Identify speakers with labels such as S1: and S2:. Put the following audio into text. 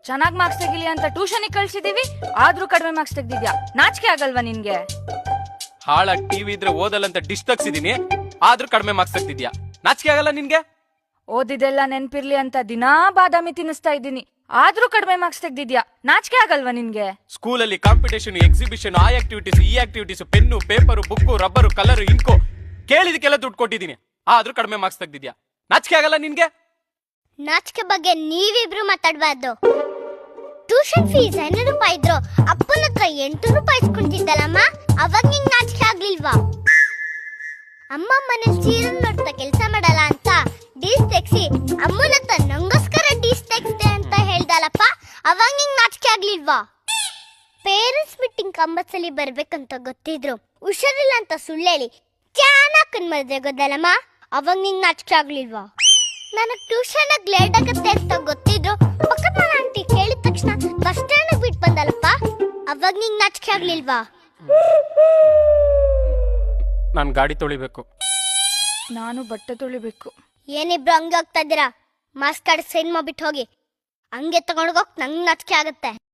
S1: ಚೆನ್ನಾಗ್ ಮಾರ್ಕ್ಸ್ ತೆಗಿಲಿ ಅಂತ ಟ್ಯೂಷನ್ ಕಳ್ಸಿದೀವಿ, ಆದ್ರೂ ಕಡಿಮೆ ಮಾರ್ಕ್ಸ್ ತೆಗ್ದಿದ್ಯಾ. ನಾಚಿಕೆ ಆಗಲ್ವಾ ನಿನ್ಗೆ?
S2: ಹಾಳಾಗಿ ಟಿವಿ ಇದ್ರೆ ಓದಲ್ಲ ಅಂತ ಡಿಶ್ ತಗ್ಸಿದೀನಿ, ಆದ್ರೂ ಕಡಿಮೆ ಮಾರ್ಕ್ಸ್ ತೆಗ್ದಿದ್ಯಾ. ನಾಚಿಕೆ ಆಗಲ್ಲ ನಿನ್ಗೆ?
S1: ಓದಿದೆಲ್ಲ ನೆನ್ಪಿರ್ಲಿ ಅಂತ ದಿನಾ ಬಾದಾಮಿ ತಿನ್ನಿಸ್ತಾ ಇದ್ದೀನಿ, ಆದ್ರೂ ಕಡಿಮೆ ಮಾರ್ಕ್ಸ್ ತೆಗ್ದಿದ್ಯಾ. ನಾಚಿಕೆ ಆಗಲ್ವಾ ನಿನ್ಗೆ?
S2: ಸ್ಕೂಲಲ್ಲಿ ಕಾಂಪಿಟೇಷನ್, ಎಕ್ಸಿಬಿಷನ್, ಆ ಆಕ್ಟಿವಿಟೀಸ್ ಈ activities, pen, paper, book, rubber, colour, ink ಕೇಳಿದಕ್ಕೆಲ್ಲ ದುಡ್ಡು ಕೊಟ್ಟಿದ್ದೀನಿ, ಆದ್ರೂ ಕಡಿಮೆ ಮಾರ್ಕ್ಸ್ ತೆಗ್ದಿದ್ಯಾ. ನಾಚಿಕೆ ಆಗಲ್ಲ ನಿನ್ಗೆ?
S3: ನಾಚಿಕೆ ಬಗ್ಗೆ ನೀವಿಬ್ರು ಮಾತಾಡ್ಬಾರ್ದು. ಟ್ಯೂಷನ್ ಫೀಸ್ 500 ರೂಪಾಯಿ ಇದ್ರು ಅಪ್ಪನ ಹತ್ರ 800 ರೂಪಾಯಿ ಇಸ್ಕೊಂತಿದ್ದಲ್ಲಮ್ಮ, ಅವಾಗ ನಿಂಗೆ ನಾಚಿಕೆ ಆಗ್ಲಿಲ್ವಾ? ಅಮ್ಮ ಮನೆ ಸೀರಿಯಲ್ ನೋಡ್ತಾ ಕೆಲಸ ಮಾಡಲ್ಲ ಅಂತ ಡೀಸ್ ತೆಗ್ಸಿ ಅಮ್ಮನ ಹತ್ರ ನಂಗೋಸ್ಕರ ಡೀಸ್ ತೆಗ್ಸ್ದೆ ಅಂತ ಹೇಳ್ದಲ್ಲಪ್ಪ, ಅವಾಗ ನಿಂಗೆ ನಾಚಿಕೆ ಆಗ್ಲಿಲ್ವಾ? ಪೇರೆಂಟ್ಸ್ ಮೀಟಿಂಗ್ ಕಂಪಲ್ಸರಿ ಬರ್ಬೇಕಂತ ಗೊತ್ತಿದ್ರು ಹುಷಾರಿಲ್ಲ ಅಂತ ಸುಳ್ಳೇಳಿ ಚೆನ್ನಾಗಿ ಮದ್ವೆ ಗೊತ್ತಲ್ಲಮ್ಮ, ಅವಾಗ ನಿಂಗೆ ನಾಚಿಕೆ ಆಗ್ಲಿಲ್ವಾ? ನನಗೆ ಟ್ಯೂಷನ್ ಲೇಟ್ ಆಗುತ್ತೆ ಅಂತ ಗೊತ್ತಿದ್ರು ಪಕ್ಕದ ಮನೆ ಆಂಟಿ ಕೇಳಿದ ತಕ್ಷಣ ಬಸ್ ಸ್ಟ್ಯಾಂಡ್ ಬಿಟ್ಟು ಬಂದಲ್ಲಪ್ಪ, ಅವಾಗ ನಿಂಗೆ ನಾಚಿಕೆ ಆಗ್ಲಿಲ್ವಾ?
S2: ನಾನು ಗಾಡಿ ತೊಳಿಬೇಕು.
S1: ನಾನು ಬಟ್ಟೆ ತೊಳಿಬೇಕು.
S3: ಏನಿಬ್ರು ಹಂಗೆ ಹೋಗ್ತಾ ಇದ್ದೀರಾ? ಮಾಸ್ಕ್ ಕಾರ್ಡ್ ಸೈನ್ ಮಾಡ್ಬಿಟ್ಟು ಹೋಗಿ. ಹಂಗೆ ತಗೊಂಡೋಗಕ್ ನಂಗೆ ನಾಚಿಕೆ ಆಗುತ್ತೆ.